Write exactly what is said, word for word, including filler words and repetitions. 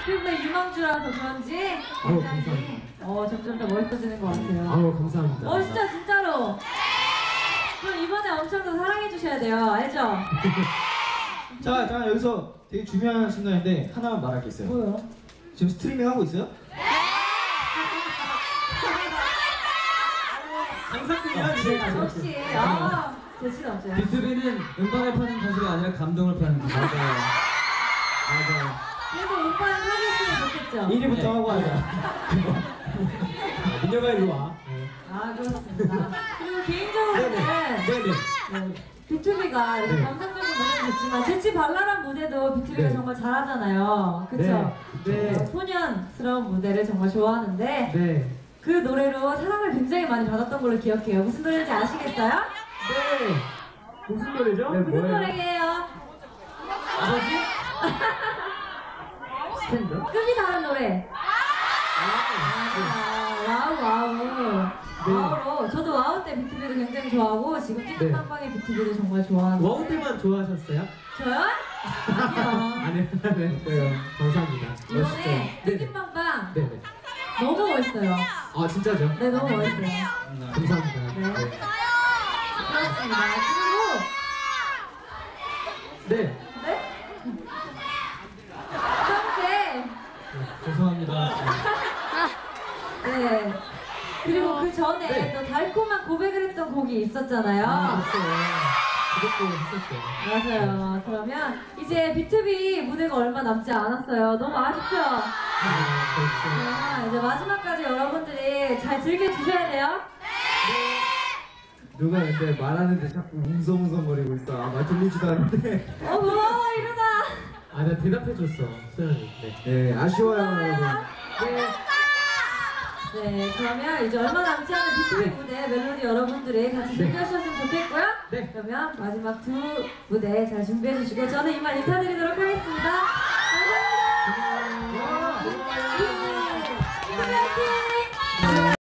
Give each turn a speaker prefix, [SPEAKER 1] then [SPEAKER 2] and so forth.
[SPEAKER 1] 피부의 유망주라서 그런지 굉장히 어, 점점 더 멋있어지는 것 같아요.
[SPEAKER 2] 아우 감사합니다.
[SPEAKER 1] 멋있죠 진짜로. 그럼 이번에 엄청 더 사랑해 주셔야 돼요. 알죠?
[SPEAKER 3] 자, 자 여기서 되게 중요한 순간인데 하나만 말할 게 있어요.
[SPEAKER 1] 뭐요?
[SPEAKER 3] 지금 스트리밍 하고 있어요?
[SPEAKER 2] 장사꾼이야.
[SPEAKER 1] 역시 아 재치가 없어요.
[SPEAKER 2] 비투비는 음반을 파는 가수가 아니라 감동을 파는 가수. 맞아요. 맞아요.
[SPEAKER 1] 그래도 오빠는 하겠으면 좋겠죠?
[SPEAKER 3] 일 위부터 하고 하자.
[SPEAKER 2] 민혁아 일로 와.
[SPEAKER 1] 아 그렇습니다. 그리고 개인적으로는
[SPEAKER 2] 네네.
[SPEAKER 1] 네, 비투비가 이렇게
[SPEAKER 2] 네.
[SPEAKER 1] 감성적인 무대도 좋지만 재치 발랄한 무대도 비투비가
[SPEAKER 2] 네.
[SPEAKER 1] 정말 잘하잖아요. 그쵸?
[SPEAKER 2] 네. 네.
[SPEAKER 1] 어, 소년스러운 무대를 정말 좋아하는데
[SPEAKER 2] 네.
[SPEAKER 1] 그 노래로 사랑을 굉장히 많이 받았던 걸로 기억해요. 무슨 노래인지 아시겠어요?
[SPEAKER 2] 네. 무슨 노래죠? 네,
[SPEAKER 1] 무슨 노래예요?
[SPEAKER 2] 아버지? 스탠드?
[SPEAKER 1] 급이 다른 노래. 아, 와우 와우.
[SPEAKER 2] 네.
[SPEAKER 1] 와우로 저도 와우 때 비투비를 굉장히 좋아하고 지금 띠띠빵빵의 비투비를 정말 좋아하는
[SPEAKER 2] 와우 때만 좋아하셨어요?
[SPEAKER 1] 저요? 아니요.
[SPEAKER 2] 아니요. 네. 네. 감사합니다.
[SPEAKER 1] 이번에
[SPEAKER 2] 멋있죠? 네네.
[SPEAKER 1] 띠띠빵빵
[SPEAKER 2] 네네.
[SPEAKER 1] 너무 멋있어요.
[SPEAKER 2] 아 진짜죠?
[SPEAKER 1] 네 너무 멋있어요.
[SPEAKER 2] 감사합니다.
[SPEAKER 1] 네.
[SPEAKER 2] 네.
[SPEAKER 1] 그렇습니다. 그리고
[SPEAKER 2] 네.
[SPEAKER 1] 네? 형제.
[SPEAKER 3] 죄송합니다.
[SPEAKER 1] 네. 그리고 그 전에
[SPEAKER 2] 네.
[SPEAKER 1] 또 달콤한 고백을 했던 곡이 있었잖아요.
[SPEAKER 2] 아 그렇죠. 그것도 했었죠.
[SPEAKER 1] 맞아요. 그러면 이제 비투비 무대가 얼마 남지 않았어요. 너무 아쉽죠?
[SPEAKER 2] 아 벌써.
[SPEAKER 1] 그러면 이제 마지막까지 여러분들이 잘 즐겨주셔야 돼요.
[SPEAKER 2] 누가 근데 말하는데 자꾸 웅성웅성거리고 있어. 아, 말 들리지도 않는데.
[SPEAKER 1] 어, 고마워, 이러다.
[SPEAKER 2] 아, 나 대답해줬어, 소연이. 네.
[SPEAKER 3] 네, 아쉬워요,
[SPEAKER 1] 고마워요.
[SPEAKER 3] 여러분.
[SPEAKER 1] 네. 네, 그러면 이제 얼마 남지 않은 비투비 무대 멜로디 여러분들이 같이
[SPEAKER 2] 네.
[SPEAKER 1] 즐겨주셨으면 좋겠고요.
[SPEAKER 2] 네.
[SPEAKER 1] 그러면 마지막 두 무대 잘 준비해주시고 저는 이만 인사드리도록 하겠습니다.